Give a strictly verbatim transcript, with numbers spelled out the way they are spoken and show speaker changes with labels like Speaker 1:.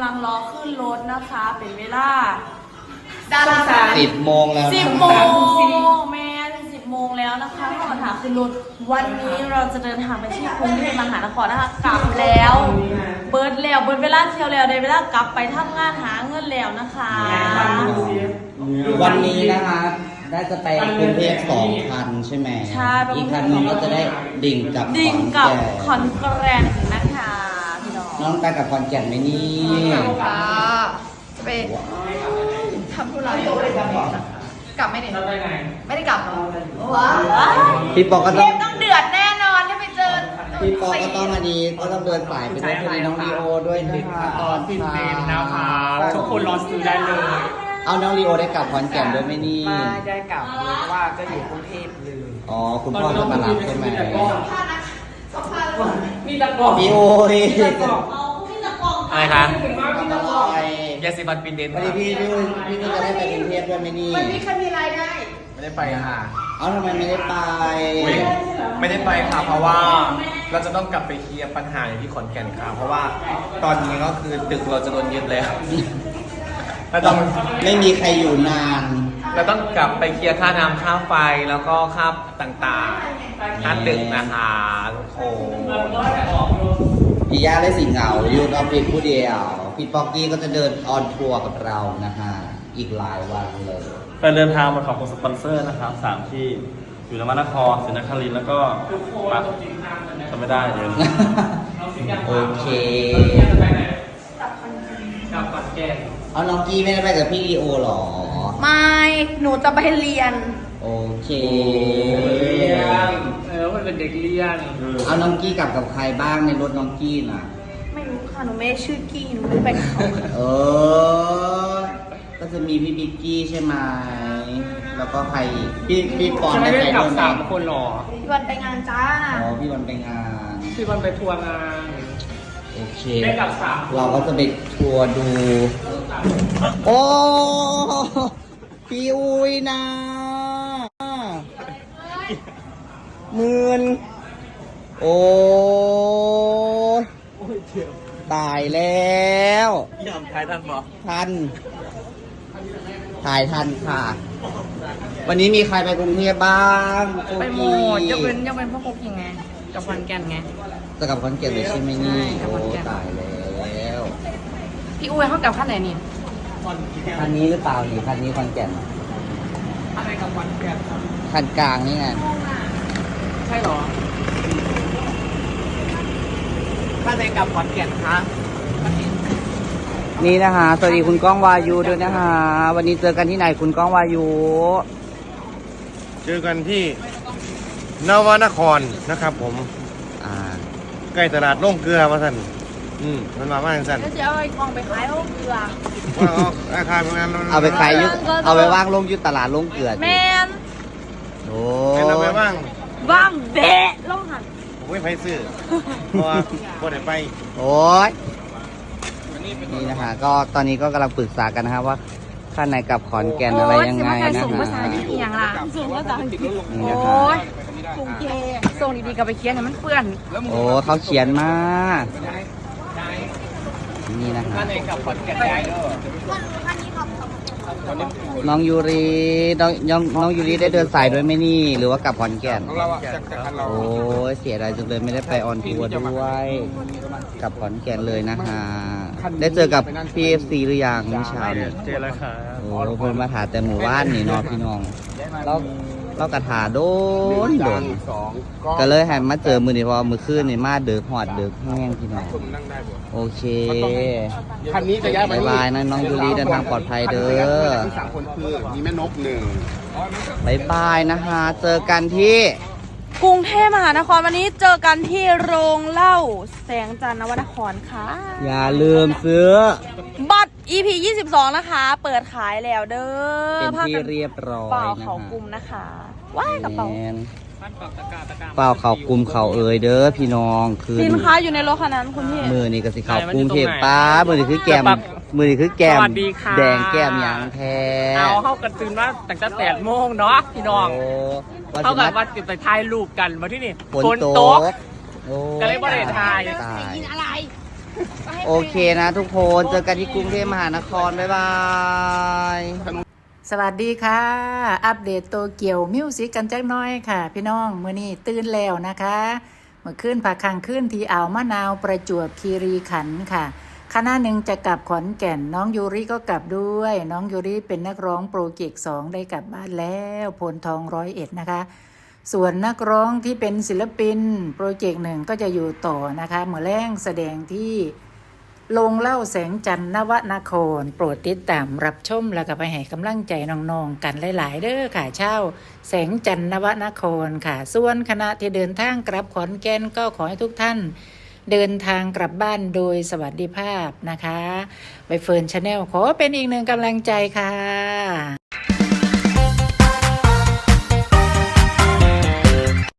Speaker 1: ลังรอขึ้นรถนะคะเป็นเวลา
Speaker 2: ดารา
Speaker 3: สิบโมงแล้ว
Speaker 1: สิบโมงแม่สิบโมงแล้วนะคะถ้ามาถามขึ้นรถวันนี้เราจะเดินทางไปที่กรุงเทพมหานครนะคะกลับแล้วเบิร์ดแล้วเบิร์ดเวลาเที่ยวแล้วได้เวลากลับไปทำงานหาเงินแล้วนะคะ
Speaker 3: วันนี้นะคะได้จะไปกรุงเทพสองคันใช่ไหม
Speaker 1: ใช่
Speaker 3: อีกคันนึงก็จะได้ดิ่งกับ
Speaker 1: ดิ่งกับขอนแก่นนะคะพี่น้อง
Speaker 3: น้องไปกับขอนแก่นไหมนี่
Speaker 2: ค่ะจะไปทำธุระกลับไม่ได้ไม่ได้กลับว้า
Speaker 3: พี่ปอก็
Speaker 2: เท
Speaker 3: ต้อง
Speaker 2: ปต้องเดือดแน่นอนถ้าไปเจอ
Speaker 3: พี่ปอก็ต้องมาดีก็ต้องเดินสายไปด้วยคือน้องลีโอด้วยนะคะ
Speaker 4: ตอนฟินเดนนะคะทุกคนรอซื้อได้เลย
Speaker 3: เอาน้องลีโอได้กลับขอนแก่นด้วยไหมนี่
Speaker 4: ไม่ได้กลับเลยเพราะว่าก็อยู่กรุงเทพเลย
Speaker 3: อ๋อคุณพ่อจะมารับใช่ไหม
Speaker 4: มีตะกร้อ
Speaker 3: พี่โอ้ย
Speaker 4: อะไรคะ
Speaker 3: ไป
Speaker 4: ยาสีฟันฟินเดน
Speaker 3: วันนี้พี่พี่พี่ก็จะได้ไปกรุงเทพด้วยไหมนี่
Speaker 2: วันนี้ใครมีรายได้
Speaker 4: ไม่ได้ไปค่ะ
Speaker 3: เอาทำไมไม่ได้ไป
Speaker 4: ไม่ได้ไปค่ะเพราะว่าเราจะต้องกลับไปเคลียร์ปัญหาอยู่ที่ขอนแก่นค่ะเพราะว่าตอนนี้ก็คือตึกเราจะโดนยึดแล้วเราต้อง
Speaker 3: ไม่มีใครอยู่นาน
Speaker 4: เราต้องกลับไปเคลียร์ค่าน้ำค่าไฟแล้วก็ค่าต่างๆค่าตึกนะคะทุกคน
Speaker 3: พี่ย่าได้สิเหงาอยู่ออฟฟิศผู้เดียวพี่ป๊อกกี้ก็จะเดินออนทัวร์กับเรานะฮะอีกหลายวันเลย
Speaker 5: ไปเดินทางมาขอบคุณสปอนเซอร์นะครับสามที่อยู่นวนครศรีนครินทร์แล้วก็ปักจำไม่ได้เลย
Speaker 3: โอเค
Speaker 4: กับปัดแก้
Speaker 3: เอาน้องกี้ไม่ได้ไปกับพี่ลีโอหรอ
Speaker 2: ไม่หนูจะไปเรียน
Speaker 3: โอเค
Speaker 4: เออมันเป็นเด็กเรียน
Speaker 3: เอาน้องกี้กลับกับใครบ้างในรถน้องกี้น่ะ
Speaker 2: ไม่รู้ค่ะหนูไม่ได้ชื่อกี้หนูไม่ไปกับเขา
Speaker 3: เออก็จะมีพี่บิ๊กกี้ใช่ไหมแล้วก็ใครอีกพี่พี่ปอนได้ไปด้วยไหม
Speaker 4: สามคนหรอ
Speaker 2: พี่วันไปงานจ้า
Speaker 3: อ๋อพี่วันไปงาน
Speaker 4: พี่วันไปทัวร์งาน
Speaker 3: โอเค
Speaker 4: ได้กับสาม
Speaker 3: เราก็จะไปทัวร์ดูโอ้พี่อุ้ยนะหมื่นโอ้ตายแล้ว
Speaker 4: ยอมถ่ายทันบอก
Speaker 3: ทันถ่ายทันค่ะวันนี้มีใครไปกรุงเทพบ้าง
Speaker 2: ไปหมดยกเว้นยกเว้นพ่อคุกยังไงกับขอนแก่นไง
Speaker 3: จะกับขอนแก่นเลยใช่ไหมนี่โอ้ตายแล้ว
Speaker 2: พี่อุ้ยเขากับขั้นไหนนี่
Speaker 3: คันนี้หรือเปล่านี่คันนี้ขอนแก่น
Speaker 4: อะไรกับขอนแก่น
Speaker 3: คันกลางนี่ไง
Speaker 4: ใช่หรอขั้นไหนกับขอนแก่นคะ
Speaker 3: นี่นะคะสวัสดีคุณก้องวายุด้วยนะคะวันนี้เจอกันที่ไหนคุณก้องวายุ
Speaker 6: เจอกันที่นวนครนะครับผม
Speaker 3: อ่า
Speaker 6: ใกล้ตลาดโล่งเกลือมาสั่นอืมมันมาบ้างสั่น
Speaker 2: แล้วจะเอาไอ้กองไปขายโล่งเกลือ
Speaker 6: ว่าเอาอาคารงาน
Speaker 3: เอาไปขายยุเอาไปว่างลงยุตลาดลงเกลือ
Speaker 2: แมน
Speaker 3: โอ้
Speaker 6: เอาไปว่าง
Speaker 2: ว่างเบะล่องหัน
Speaker 6: ผมไม่ไปซื้อเพราะว่าพอได้ไป
Speaker 3: โอ้ยนี่นะคะก็ตอนนี้ก็กำลังปรึกษากันนะครับว่าข้างในกับขอนแก่นอะไรยังไงนะ
Speaker 2: ส่งภาษาที่เอียงล่ะส่งภาษาอังกฤษโอ้ยส่งเกส่งดีๆกับไปเขียนให้มันเปื้อน
Speaker 3: โอ้เขาเขียนมานี่นะคะน้องยูรีน้องน้องน้องยูรีได้เดินสายด้วยไหมนี่หรือว่ากลับขอนแก่นโอ้ยเสียดายจังเลยไม่ได้ไปออนทัวร์ด้วยกับขอนแก่นเลยนะคะได้เจอกับพีเอฟซีหรือยังเมื่อเช้าเนี่ย
Speaker 4: เจอแล้วค่ะ
Speaker 3: โอ้เพิ่นมาถาแต่หมู่บ้านนี่เนาะพี่น้องเราเรากระถาโดนโดนก็เลยให้มาเจอมือนี่พอมือคืนนี่มาเดือดหอดเดือดแห้งพี่น้องโอเค
Speaker 6: คันนี้จะย้ายไป
Speaker 3: บายบายนะน้องยูรีเดินทางปลอดภัยเด้อ
Speaker 6: ทั้งสามคนคือมีแม่นกหนึ่ง
Speaker 3: บายบายนะคะเจอกันที่
Speaker 1: กรุงเทพมหานครวันนี้เจอกันที่โรงเหล้าแสงจันทร์นวนครค่ะ
Speaker 3: อย่าลืมซื้อ
Speaker 1: บัตร อี พี ยี่สิบสอง นะคะเปิดขายแล้วเด้อ
Speaker 3: เป็นที่เรียบร้อย
Speaker 1: เปล่าเขากลุ่มนะคะว้ายกระเป๋า
Speaker 3: เปล่าเขากลุ่มเขาเอ่ยเด้อพี่น้องคือ
Speaker 1: สินค้าอยู่ในรถคันนั้นคุณพี่
Speaker 3: มือนี่ก็สิเขากรุงเทพป้ามือนี่คือแก้มมือนี่คือแก้มแดงแก้มยางแท้
Speaker 4: เอาเข้ากันตื่นว่าตั้งแต่แปดโมงเนาะพี่น้องเข้ากันว่าจะไปถ่ายรูปกันมาที่นี่
Speaker 3: ฝนตก
Speaker 4: ก็เลยบ่ได้ถ่าย
Speaker 2: กินอะไร
Speaker 3: โอเคนะทุกคนเจอกันที่กรุงเทพมหานครบ๊ายบาย
Speaker 7: สวัสดีค่ะ อัปเดตโตเกียวมิวสิกกันจักหน้อยค่ะ พี่น้องมื้อนี้ตื่นแล้วนะคะเมื่อคืนผักคังขึ้นที่อ่าวมะนาวประจวบคีรีขันธ์ค่ะคณะหนึ่งจะกลับขอนแก่นน้องยูริก็กลับด้วย น้องยูริเป็นนักร้องโปรเจกต์สองได้กลับบ้านแล้วโพนทองร้อยเอ็ดนะคะ ส่วนนักร้องที่เป็นศิลปินโปรเจกต์หนึ่งก็จะอยู่ต่อนะคะเมื่อแรงแสดงที่ลงเล่าแสงจันทร์นวนครโปรดติดตามรับชมแล้วก็ไปให้กำลังใจน้องๆกันหลายๆเด้อค่ะเช่าแสงจันทร์นวนครค่ะส่วนคณะที่เดินทางกลับขอนแก่นก็ขอให้ทุกท่านเดินทางกลับบ้านโดยสวัสดิภาพนะคะใบเฟิร์นชาแนลขอเป็นอีกหนึ่งกำลังใจค่ะ